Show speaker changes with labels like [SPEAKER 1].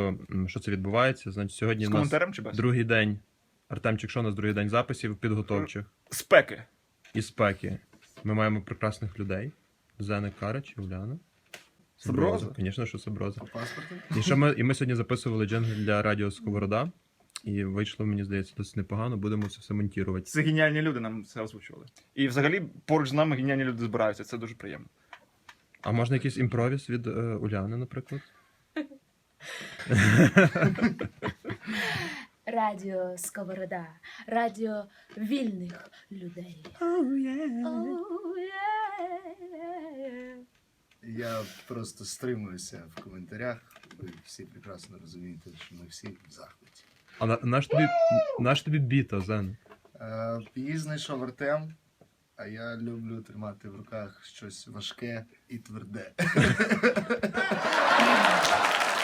[SPEAKER 1] що це відбувається. Значить, сьогодні
[SPEAKER 2] З
[SPEAKER 1] у нас
[SPEAKER 2] коментарем чи без?
[SPEAKER 1] другий день. Артемчик, що у нас другий день записів підготовчих
[SPEAKER 2] Спеки.
[SPEAKER 1] і спеки. Ми маємо прекрасних людей. Зена Карич, Уляна.
[SPEAKER 2] Саброза?
[SPEAKER 1] Звісно, що Саброза.
[SPEAKER 3] По паспорту?
[SPEAKER 1] І ми сьогодні записували джингл для радіо Сковорода. І вийшло, мені здається, досить непогано. Будемо це все монтувати.
[SPEAKER 2] Це геніальні люди нам це озвучували. І взагалі поруч з нами геніальні люди збираються, це дуже приємно.
[SPEAKER 1] А можна якийсь імпровіз від Уляни, наприклад?
[SPEAKER 4] Радіо Сковорода. Радіо вільних людей.
[SPEAKER 3] Я просто стримуюся в коментарях. Ви всі прекрасно розумієте, що ми всі в захваті.
[SPEAKER 1] А наш тобі біта, Зен?
[SPEAKER 3] Її знайшов Артем, а я люблю тримати в руках щось важке і тверде.